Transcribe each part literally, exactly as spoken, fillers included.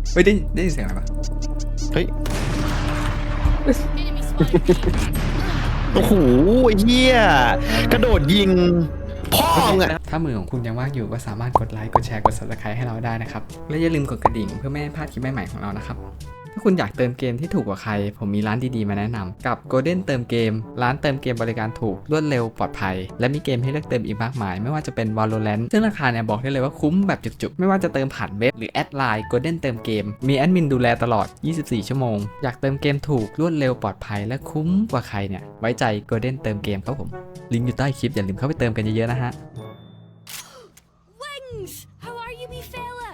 เฮ้ยได้ได้ยินเสียงอะไรปะเฮ้ยโอ้โหเฮียกระโดดยิงพ่อมึงอะถ้ามือของคุณยังว่างอยู่ก็สามารถกดไลค์กดแชร์กด ซับสไครบ์ ให้เราได้นะครับและอย่าลืมกดกระดิ่งเพื่อไม่ให้พลาดคลิปใหม่ๆของเรานะครับถ้าคุณอยากเติมเกมที่ถูกกว่าใครผมมีร้านดีๆมาแนะนำกับ Golden เติมเกมร้านเติมเกมบริการถูกรวดเร็วปลอดภัยและมีเกมให้เลือกเติมอีกมากมายไม่ว่าจะเป็น Valorant ซึ่งราคาเนี่ยบอกได้เลยว่าคุ้มแบบจุกๆไม่ว่าจะเติมผ่านเว็บหรือแอดไลน์ Golden เติมเกมมีแอดมินดูแลตลอดยี่สิบสี่ชั่วโมงอยากเติมเกมถูกรวดเร็วปลอดภัยและคุ้มกว่าใครเนี่ยไว้ใจ Golden เติมเกมครับผมลิงก์อยู่ใต้คลิปอย่าลืมเข้าไปเติมกันเยอะๆนะฮะ How are you, me fella?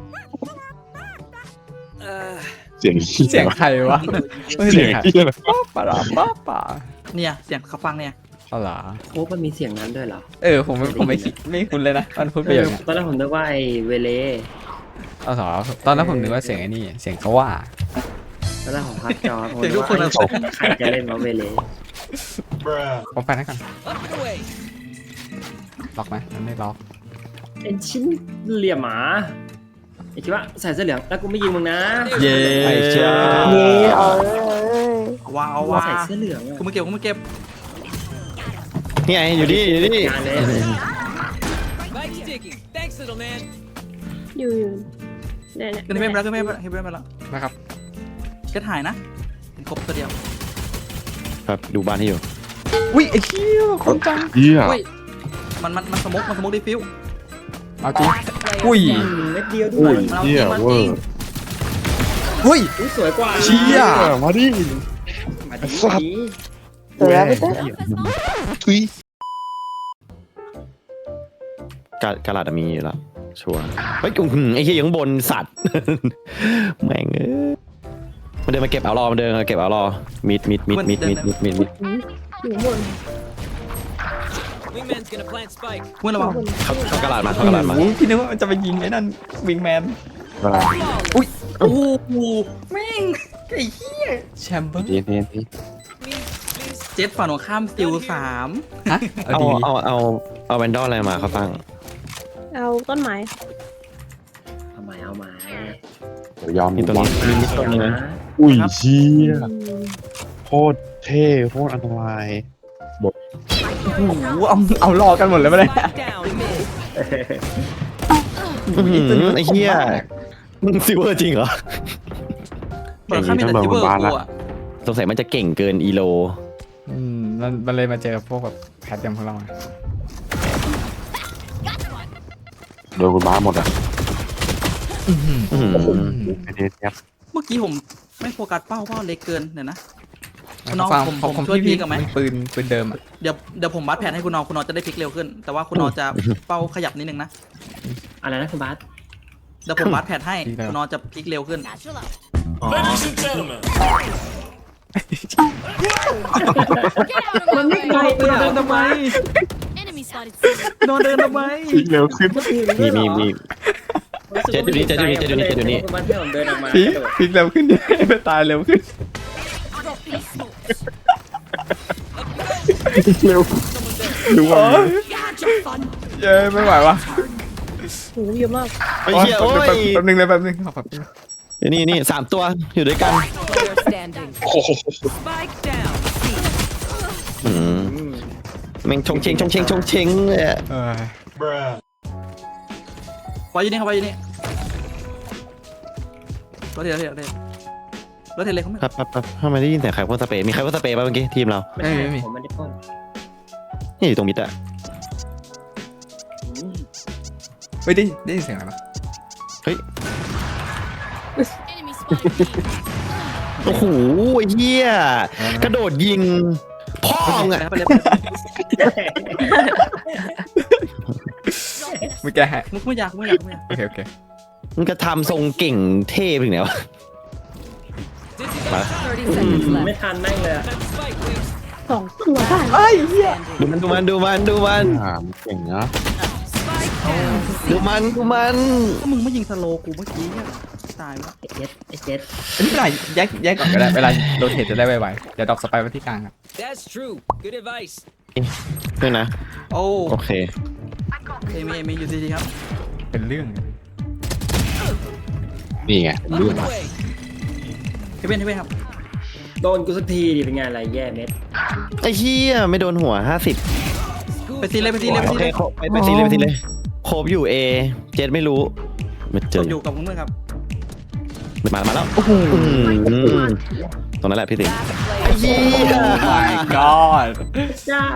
เสียงเสียงใครวะไม่ใช่เสียงใครที่อะไรป้าป่าป้าป่าเนี่ยเสียงเขาฟังเนี่ยเอาล่ะโอ้มันมีเสียงนั้นด้วยเหรอเออผมไม่ผมไม่คิดไม่คุ้นเลยนะมันพูดไปอย่างเงี้ยตอนแรกผมนึกว่าไอ้เวเลเอาสอตอนนั้นผมนึกว่าเสียงไอ้นี่เสียงเขาว่าตอนแรกผมพักจอผมเสียงนึทุกกว่าคนอะใครจะเล่นว่าเวเลผมไปนะก่อนล็อกไหมมันไม่ล็อกเป็นชิ้นเหลี่ยมหมาไอ้คิดว่าใส่เสื้อเหลืองแล้วกูไม่ยิงมึงนะเย้ไอ้เจ้าว้าวว่าว้าใส่เสื้อเหลืองอะกูไม่เก็บกูไม่เก็บนี่ไงอยู่นี่อยู่นี่งานเลยอยู่อยู่เนี่ยเนี่ยขึ้นเพิ่มไปแล้วขึ้นเพิ่มไปแล้วขึ้นเพิ่มไปแล้วนะครับแค่ถ่ายนะเห็นครบตัวเดียวครับดูบ้านที่อยู่อุ้ยไอ้เหี้ยคนจังเหี้ยเฮ้ยมันมันมันสมกมันสมกดิฟิวเอาจริงอุ้ยอืมเม็ดเดียวด้อุ้วย ยมันเอาเหี้ยมันเวจอริงร์เฮ้ยอุ๊ยสวยกว่าเชี่ยเออมาดิมาดีสัตว์ดีเดี๋ยวแล้วไปเต้ทุยกากระดาษมีอยู่แล้วชัวร์เฮ้ยอื้อหือไอ้เหี้ยอยู่ข้างบนสัตว์ แม่งเอ้ยมันเดินมาเก็บเอารอมันเดินมาเก็บเอารอมิดมิดมิดมิดมิดมิดมิดมิดอยู่บนเมื่อระวังเข้าเข้ากระดาษมาเข้ากระดาษมาโอ้โหพี่นึกว่ามันจะไปยิงไอ้นั่นวิงแมนอะไรโอ้โหแม่งไอ้เหี้ยแชมเบอร์เนียนเนียนนี่เจ็ตฝั่งของข้ามสติลสามฮะเอาเอาดีเอาเอาเอาแวนดอลอะไรมาเขาตั้งเอาต้นไม้เอาไม้เอาไม้เดี๋ยวยอมมีตรงนี้มีมิดตรงนี้นะอุ้ยเชี่ยอืมโคตรเท่โคตรอันตรายโอ้โหเอาเอารอกันหมดเลยไม่ได้อื้อหือไอ้เหี้ยมึงซิเวอร์จริงเหรอฝั่งข้ามมีแต่ซิเวอร์กูอะสงสัยมันจะเก่งเกินอีโลอืมมันมันเลยมาเจอพวกแบบแพทอย่างพวกเราไงโดนคุณบ้าหมดอ่ะอื้อหือไอเดียเนี่ยเมื่อกี้ผมไม่โฟกัสเป้าเป้าเล็กเกินเดี๋ยวนะ น้องฟังผมของผมของช่วยพี่พี่กับไหมปืนปืนเดิมอะเดี๋ยวเดี๋ยวผมบัสแผนให้คุณนอคุณนอจะได้พลิกเร็วขึ้น แต่ว่าคุณนอจะเป้าขยับนิดนึงนะอะไรนะคุณบาสเดี๋ยวผมบัสแผนให้คุณนอจะพลิกเร็วขึ้นมันไม่ไกลคุณนอเดินทำไม Enemy spotted. คุณนอเดินทำไมอีกเร็วขึ้นมีมีมี เจ็ดอยู่นี่เจ็ดอยู่นี่เจ็ดอยู่นี่เจ็ดอยู่นี่คุณบาสที่ผมเดินออกมาพีพีเร็วขึ้นดิไปตายเร็วขึ้นเร็วดูว่าโอ้ยเย้ไม่ไหววะโหเยอะมากไอ้เหี้ยโอ้ยแป๊บนึงเลยแป๊บนึงขอแป๊บนึงเดี๋ยวนี่นี่สามตัวอยู่ด้วยกันโอ้โหอืมแม่งชงเชงชงเชงชงเชงเลยอะเออไว้อยู่นี่ครับไว้อยู่นี่รถเทรถเทรถเทรรถเทรเลยเขาไม่ครับครับครับทำไมได้ยินแต่ใครพ่นสเปรย์มีใครพ่นสเปรย์ป่ะเมื่อกี้ทีมเราไม่ใช่ผมไม่ได้ปล้นนี่อยู่ตรงมิดอะอืมเฮ้ยได้ได้ยินเสียงอะไรปะ Enemy spotted. โอ้โหเฮียกระโดดยิงพ่อมึงอะไปเลยไปเลยไม่แกฮะมุกไม่อยากไม่อยากไม่อยากโอเคโอเคมึงจะทำทรงเก่งเท่ไปถึงไหนวะมาไม่ทันแม่งเลยอะสองตัวได้ดูมันดูมันดูมันดูมันอ่ามันเก่งนะดูมันดูมันก็มึงไม่ยิงสโลกูเมื่อกี้เนี่ยตายแล้วไอ้เจ็ดไอ้เจ็ดอันนี้เวลาแยกแยกก่อนก็ได้เวลาโรเทตจะได้ไวๆเดี๋ยวดอกสไปร์ไว้ที่กลางครับ That's true. Good advice. ด้วยนะโอ้โอเคเอมีเอมีอยู่ดีๆครับเป็นเรื่องเลยนี่ไงเรื่อง On the way. เฮเว่นเฮเว่นครับโดนกูสักทีดิเป็นไงอะไรแย่เม็ดไอ้เหี้ยไม่โดนหัวห้าสิบไปซีเลยไปซีเลยไปโอซีเคเลยโคไปไปซีเลยไปซีเลยโคบอยู่เอเจ็ดไม่รู้มาเจกอดอยู่กับเพื่อนครับมามาแล้วโอ้โหตรงนั้นแหละพี่ติ๋มไอ้เหี้ย my god เจ้า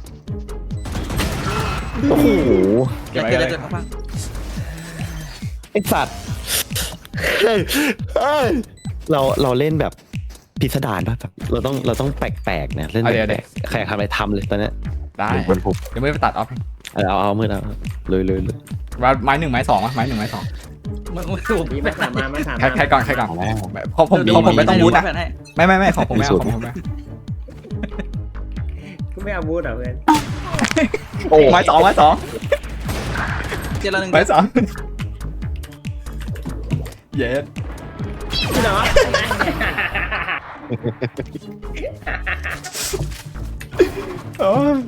โอ้โหเก็บเดี๋ยวไว้เดี๋กัยวน เดี๋ยวเลยเขาฟังไอ้สัตว์เฮ้ยเฮ้ยเราเราเล่นแบบพิสดารป่ะแบบเราต้องเราต้องแปลกๆเนี่ยเล่นแปลกๆใครอยากทำอะไรทำเลยตอนเนี้ยได้เป็นผมเดี๋ยวไม่ไปตัดออฟเอาเอาเอามือเอาเลยเลยเลยว่าไม้หนึ่งไม้สองวะไม้หนึ่งไม้สองมึงมึงถูกนี่มาถามมามาถามใครใครก่อนใครก่อนเอาแล้วเพราะผมเพราะผมไม่ต้องบูทนะให้ไม่ไม่ไม่ของผมไม่เอาของผมไม่เอากูไม่เอาบูธเหรอเพื่อนไม้สองไม้สองเจรหนึ่งไม้สองเย็ดพี่น้องโอ้ย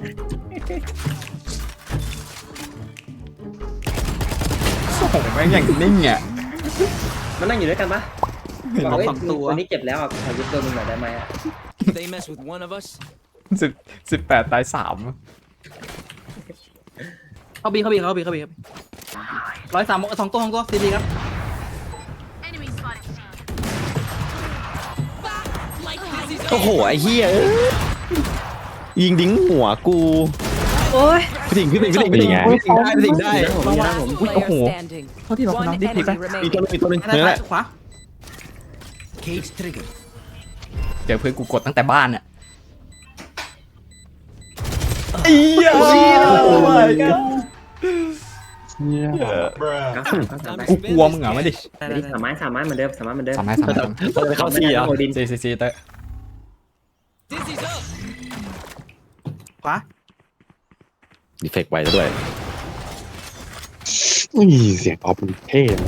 โอ้โหแม่งอย่างนิ่งอ่ะมันนั่งอยู่ด้วยกันปะบอกเฮ้ยสองตัวตัวนี้เจ็บแล้วอ่ะขอยึดตัวมึงหน่อยได้ไหมอ่ะ They mess with one of us. สิบสิบแปดตายสามเขาบีเขาบีเขาบีเขาบีร้อยสามสองตัวสองตัวซีดีครับ Enemy spotted. Like this. โอ้โหไอ้เหี้ยเอ้ยยิงดิ้งหัวกูโอ้ยพี่ติ๋งพี่ติ๋งพี่ติ๋งพี่ติ๋งพี่ติ๋งได้พี่ติ๋งได้ผมมีนะผมอุ้ยโอ้โห standing. เท่าที่เราคนน้องดิพลิกไปมีตัวนึงมีตัวนึงด้านนั่นแหซ้ายละขวา Cage trigger. เจอเพื่อนกูกดตั้งแต่บ้านอ่ะอียโอ้ยเนี่ยก้าวสามก้าวสามไปกูกลัวมึงเหรอไม่ดิได้อันได้นี้สามไม้สามไม้เหมือนเดิมสามไม้เหมือนเดิมสามไม้สามไม้เราไปเข้าซีเหรอโอดินซีซีซีเตอร์ Dizzy's up. ขวาดีเฟกไว้ด้วยอุ้ยเสียงออฟมันเท่นะ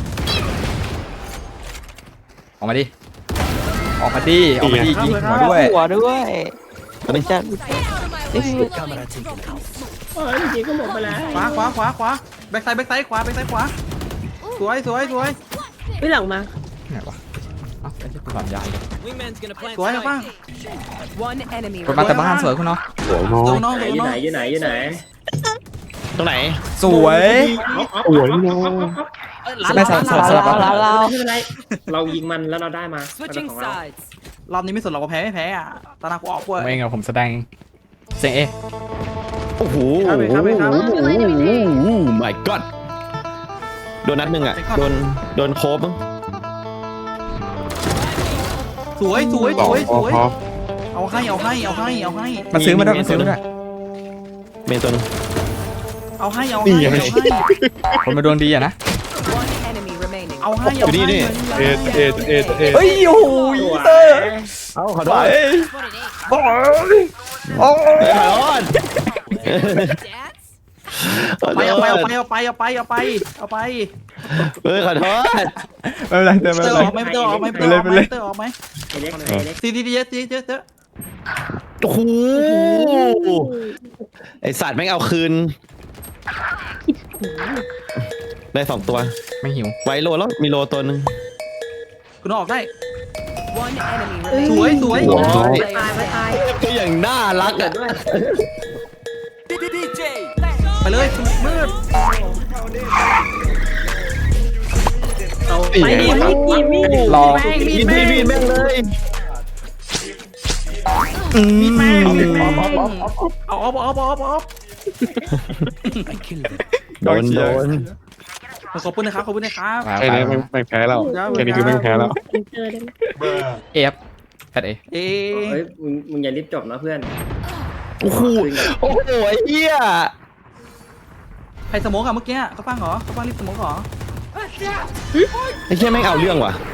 ออกมาดิออกมาดิออกมาดิยิงหัวด้วยหัวด้วยตอนนี้จะ Camera taken out. เฮ้ยจริงก็หมดไปแล้วขวาขวาขวาขวาแบ็คไซด์แบ็คไซด์ขวาแบ็คไซด์ขวาสวยสวยสวยไม่หลังมาไหนวะเอ้าไอ้ที่กูสอนยายเลย Wingman's gonna plant สวยครับป้า spike. One enemy กดมาแต่บ้านสวยคุณเนาะสวยน้อโดยนน้องไหนโดนอยู่น้องไหนอยู่ไหนอยู่ไหนตรงไหนสวยสวยน้อยไม่สลับสลับสลับเราเราไม่เป็นไรเรายิงมันแล้วเราได้มา Switching ของเรา sides. รอบนี้ไม่สนเราก็แพ้ไม่แพ้อ่ะตาหน้ากูออกเว้ยผมเองอะผมแสดงเสียงเอโอ้โหครับไปครับไปครับโอ้โห my god โดนนัดหนึ่งอ่ะ โดน โดนโคบมั้งสวยสวยพสอวยพสอวยพอเอาให้เอาให้เอาให้เอาให้มาซื้อมาด้วยมาซื้อมาด้วยเมนตัวนึงเอาให้เอาให้เอาให้คนมาดวงดีอะนะ One enemy remaining. เอาให้เอาให้อยู่นี่นี่เอ็ดเอ็ดเอ็ดเอ็ดเฮ้ยโอ้โหสวยเตอร์เอ้าขอโทไปษ Spotted A. บอยโอ้เฮ้ยขอโทษ Dance. ขอไปโทเอาไปเอาษไปเอาไปเอาไปเอาไปเอาไปเฮ้ยขอโทษไม่เป็นไรเตอร์ไม่เตอเป็นร์ไรออกไหมเตอร์ออกไหมเตอร์ออกไหมเตอร์ออกไหมไอเล็กไอเล็กซีดีดีเยอะซีดีเยอะเยอะโอ้โหไอสัตว์แม่งเอาคืน ได้สองตัวไม่หิวไว้โลแล้ว มีโลตัวหนึ่งคุณออกได้ One enemy ส remaining. วยสวยโอ้ยตายไปตายก็อย่างน่ารักเกิอ่ะดด้วย D J. ไปเลยมืดเอาไปดิมีมีดรอมีดมีดมีดแม่งเลยมีแม่งเอาออฟเอาออฟเอาออฟเอาออฟ I killed them. โดนโดนขอบคุณนะครับขอบคุณนะครับมาแค่ไปนี้ไม่ไม่แพ้แล้วแค่นี้คือไม่แพ้แล้วเจอได้ไหมเอฟแพทเอเอ๊เฮ้ยมึงมึงอย่ารีบจบนะเพื่อนโอ้โหโอ้โหไอ้เหี้ยใครสโมกอะเมื่อกี้เขาฟังเหรอเขาฟังรีบสโมกเหรอไอ้เหี้ยแม่งเอาเรื่องว่ะ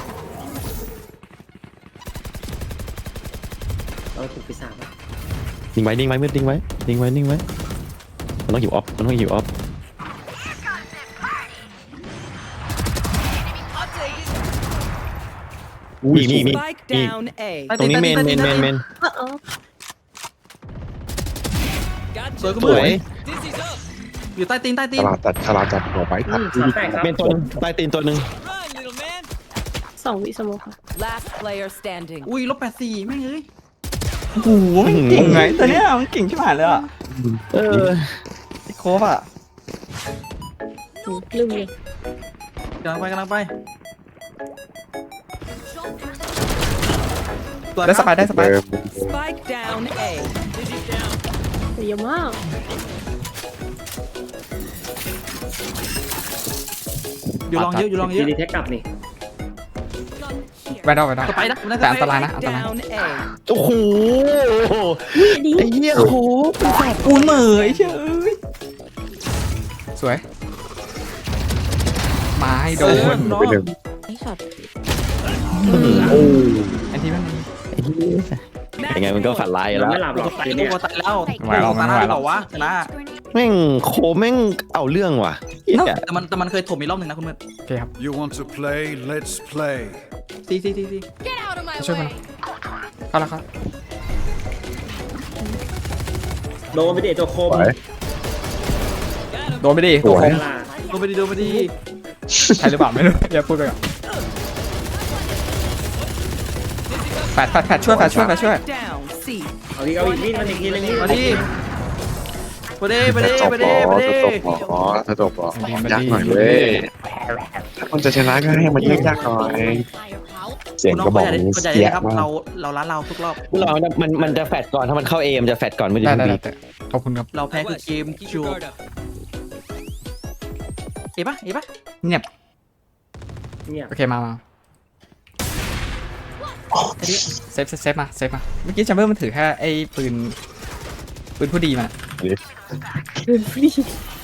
เราถูกปีศาจนิ่งไว้นิ่งไว้มืดนิ่งไว้นิ่งไว้นิ่งไว้มันต้องหิวออฟมันต้องหิวออฟมีมีมี Spike down A. ตรงนี้เมนเมนเมนเมนเออเออสวย Gotcha. ก็สมืวย Dizzy's up. อยู่ใต้ตีนใต้ตีฉนลาดจัดฉลาดจัดหัวไปอืตัดมสามแปดครับเมนตัวหนึงใต้ตีนตัวหนึ่ง Run, little man. สองวิสโมคค่ะ Last player standing. อุ้ยลบแปดสี่แม่งเอ้ยโอ้โหมันเก่งไงตัวเนี้ยมันเก่งชิบหายเลยอ่ะเออไอ้โคฟอ่ะอืมลืมเลยกำลังไปกำลังไปตัวได้สบายได้สบาย Spike down A. แต่เยอะมากอยู่ลองเยอะอยู่ลองเยดีอะดีแท็กกลับนี่แวดดอลแวดดอลสไปนะมันแต่อันตรายนะ อันตราย Down A. โอ้โหดีไอ้เหี้ยโคกูเหม่อไอ้เชยสวยไม้โดเออน น้องไอ้ช็อตอันที่มันยังไงมันก็ฝันร้ายอยู่เราแล้วไม่หลับหรอกตายทีกูเนี้ยก็ตายแล้วไหวหรอกตาไม่หไหวน้าหรต่ออก วะชนะแม่งโคแม่งเอาเรื่องว่ะเหี้ยแต่มันแต่มันเคยถมอีกรอบหนึ่งนะคุณมืดโอเคครับ You want to play? Let's play. ซีซีซีซี Get out of my ช่วยกัน way. เข้าแล้วครับโดนไปเดทตัวคมโดนไปดิโกคมล่ะโดนไปดีโดนไปดีใช่หรือเปล่าไม่รู้อย่าพูดไปก่อนแฟดแฟดแฟดช่วยแฟดช่วยแฟดช่วย Down C. เอาอีกเอาอีกนี่มันอีกทีนึงนี่มาดิไปดิไปดิไปดิไปดิอ๋อถ้าจบอ๋อยากหน่อยเว้ยถ้าคนจะชนะก็ให้มันยากๆหน่อย เสียงคุณน้กองระบก็อกอย่าได้นี้ก็อย่าเสีได้ยครับมากเราเราร้านเราทุกรอบเรามันมันจะแฟดก่อนถ้ามันเข้าเอมนจะแฟดก่อนไม่ได้ได้ได้บีได้ขอบคุณครับเราแพ้คือเกมคิวเอ๋ปะเอ๋ปะเงียบเนี่ยโอเคมามาเซฟเซฟเซฟมาเซฟมาเมื่อกี้แชมเบอร์มันถือแค่ไอ้ปืนปืนผู้ดีมาลืมฟรี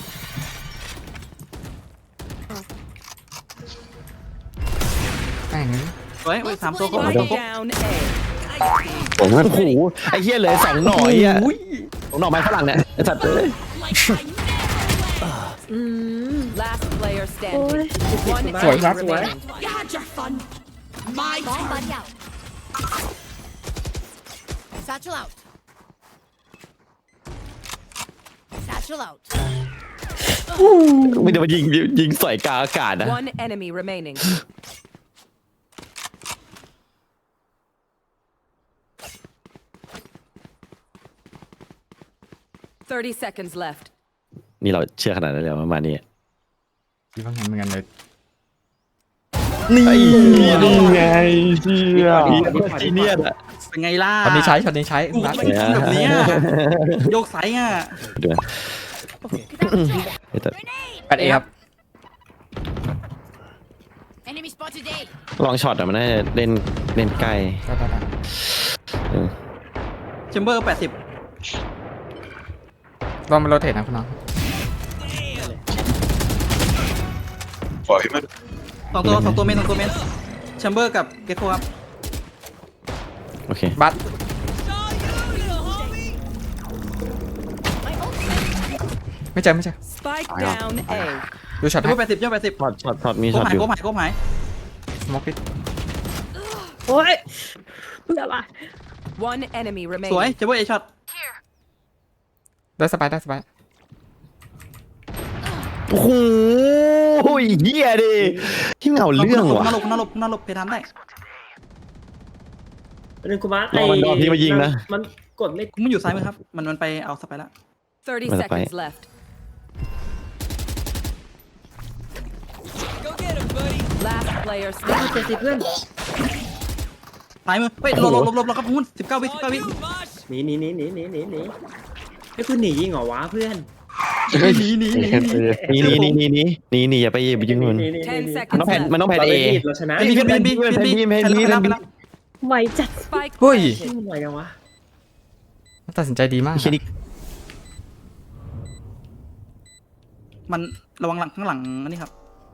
แม่งเฮ้ยสามตัวครบสามตัว Spike ครบ down A. ผมว่าโอ้โหไอ้เหี้ยเหลยสองหน่อไอ้เหี้ยสองหน่อไม้ฝรั่งเนี่ยไอ้สัตว์เอ้ยอืม Last player โอ้ standing. ย One สวยครับ enemy remaining. You had your fun. My turn. Satchel out. Satchel out. ไม่ได้มายิงยิงสอยกลางอากาศนะ One enemy remaining. Thirty seconds left. นี่เราเชื่อขนาดนั้นเลยประมาณนี้คิดว่างั้นเหมือนกันเลยนี่นี่ไงเชี่ยจีเนียสอะเป็นไงล่ะช็อตนี้ใช้ช็อตนี้ใช้กูรัดไม่ได้ทำแบบเนี้ยโยกไซส์อ่ะเดี๋ยวเฮ้ยแต่แปดเอครับ Enemy spotted A. ลองช็อตอะมันน่าจะเล่นเล่นใกล้ได้ได้ได้เออแชมเบอร์แปดสิบลองมาโรเทตนะคุณน้องปล่อยมันสองตัวสองตัวเมนสองตัวเมนแชมเบอร์กับเกโคครับโอเคบัตไม่เจอไม่เจอ Spike down A. ดูช็อตแชมให้เบอร์แปดสิบแชมเบอร์แปดสิบช็อตช็อตช็อตมีโคช็อตหายอยู่โคหายโคหายสโมกปิดโอ้ยเบื่อว่ะ One enemy สวย remaining. แชมเบอร์เอช็อตได้สบายได้สบายโอ้โหเหี้ยดิที่เหงาเรื่องว่ะน่าหลบน่าหลบน่าหลบเพทันได้เป็นคุณมาร์รอมันรอพี่มายิงนะมันกดไม่กูไม่อยู่ซ้ายมือครับ มันมันไปเอาสไปแล้ว Thirty Well, seconds bye. left. Go get him, buddy. Last player เจ็ด standing. สิบเพื่อนซ้ายมือ เฮ้ยหลบหลบหลบหลบหลบครับคุณสิบเก้าวิสิบเก้าวิ You, Mosh. หนีหนีหนีหนีหนีหนีหนีไอ้คุณหนียิงเหรอวะเพื่อนหนีหนีหนีหนีนี่นี่นี่นี่นี่นี่อย่าไปอย่าไปยิงมันหหห Ten ห seconds มันต้องแผ่น left. มันต้องแผ่นเราเอได้เราชนะบีบีบีบีบีบีแผ่น B แผ่น B ไปแล้วไปแล้วไวจัด Spike เฮ้ย planted. มันไหวจังวะตัดสินใจดีมากไม่ใช่ดิมันระวังหลังข้างหลังอันนี้ครับ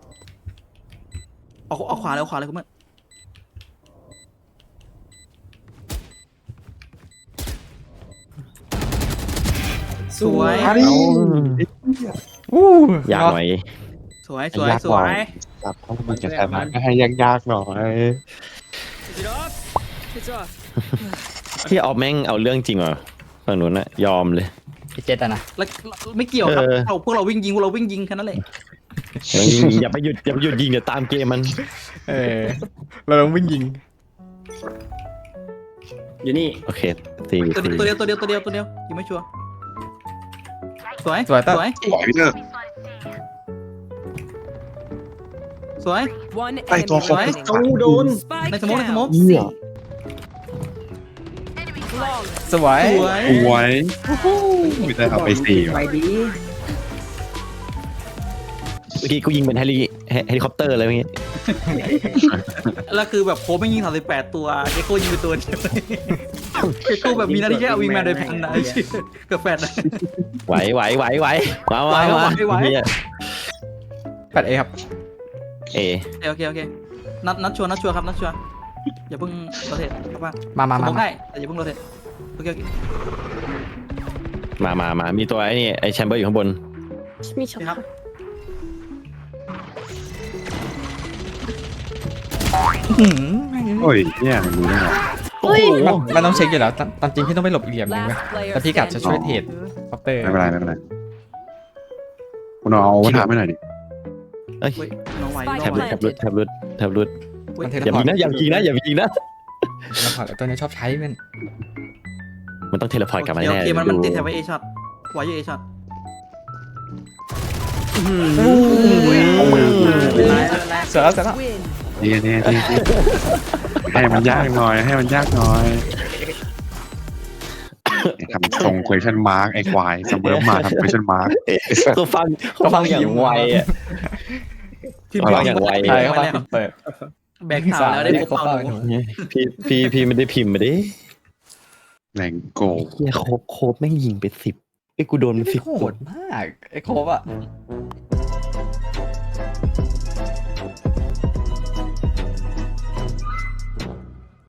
เอาเอาขวาเลยเอาขวาเลยคุณเมื่อ สวยอู้อยากหน่อยสวยสวยยากสหน่วอยยครับเพราะมันจะชนะก็ให้ยากๆหน่อย Is it off? It's off. ที่ออฟแม่งเอาเรื่องจริงว่ะฝั่งนู้นน่ะยอมเลยพี่เจตอะนะแล้วไม่เกี่ยวครับเออเราพวกเราวิ่งยิงพวกเราวิ่งยิงแค่นั้นแหละยิงอย่าไปหยุดอย่าไปหยุดยิงเดี๋ยวตามเกมมันเออ เราต้องวิ่งยิงอยู่นี่โอเคสี่ตัวสี่เดียวตัวเดียวตัวเดียวตัวเดียวยังไม่ชัวร์สวยสวยเต้ยสวยปล่อยพี่เตอร์สวย One ไอ้ตัว enemy ฟอก Right. เอาโดน Spike ในสมองในสมอง down. เหี้ย Flawless. สวยสวยสวยพี่เตอร์เอาไปสี่ไปว่ะดีเมื่อกี้กูยิงเป็นเฮลิเฮเฮลิคอปเตอร์เลยเมื่อกี้แล้วคือแบบโค้ชไม่ยิงสามสิบแปดตัวเจโก้ยิงไปตัวเดียวเจโก้แบบมีหน้าที่แค่เอาวิงแมนโดยแพนนะไอ้เชี่ยกับแฟนนะไหวไหวไหวไหวมามาไหวมาไหวไหวเหี้ยแปดเอครับเอโอเคโอเคนัดนัดชัวร์นัดชัวร์ครับนัดชัวร์อย่าเพิ่งโรเทตครับว่ามามาสมมาองได้แต่อย่าเพิ่งโรเทตโอเคโอเคมามามามีตัวไอ้นี่ไอ้แชมเบอร์อยู่ข้างบนมีช็อตครับโอ้ยเนี่ยมันรู้ได้ไงโอ้ยมันมันต้องเช็คอยู่แล้วตามตามจริงพี่ต้องไปหลบอีกเหลี่ยมหนึงเว้ย Last player แต่พี่กะจะช่วย standing. เทรดคอปเตอร์ไม่เป็นไรไม่เป็นไรคุณเอาวัฒนธรรมให้หน่อยดิเอ้ยเฮ้ยน้องไหวแทน้อบ งไหวรุดแทบรุดแทบรุดแทบรุดเฮ้ยอย่ายิงนะอย่ายิงนะอย่ายิงนะแล้วพอแล้วตัวนี้ชอบใช้มันมันต้องเทเลพอร์ตกลับมาโอแน่เคมันมันดูติดแถบไว้เอช็อตไว้อยู่เอช็อตเสร็จแล้วเสร็จแล้ว Win. เนี่ยเนี่ยเนี่ยให้มันยากหน่อย ให้มันยากหน่อยทำทรง question mark ไอ้ควายเสมอมาทำ question mark เอ๊ะเขาฟังเขาฟังอย่างไวอ่ะพิมเอาพ์ละอย่างไวใช่เข้ามาเปิดแบกข่าวแล้วได้พบเขาเป่าเป่าหนูพี่พี่พี่ไม่ได้พิมพ์มาดิแรงโกเฮียโคบโคบแม่งยิงไปสิบไอ้ยกูโดนไม่สิบโหดมากไอ้โคบอ่ะ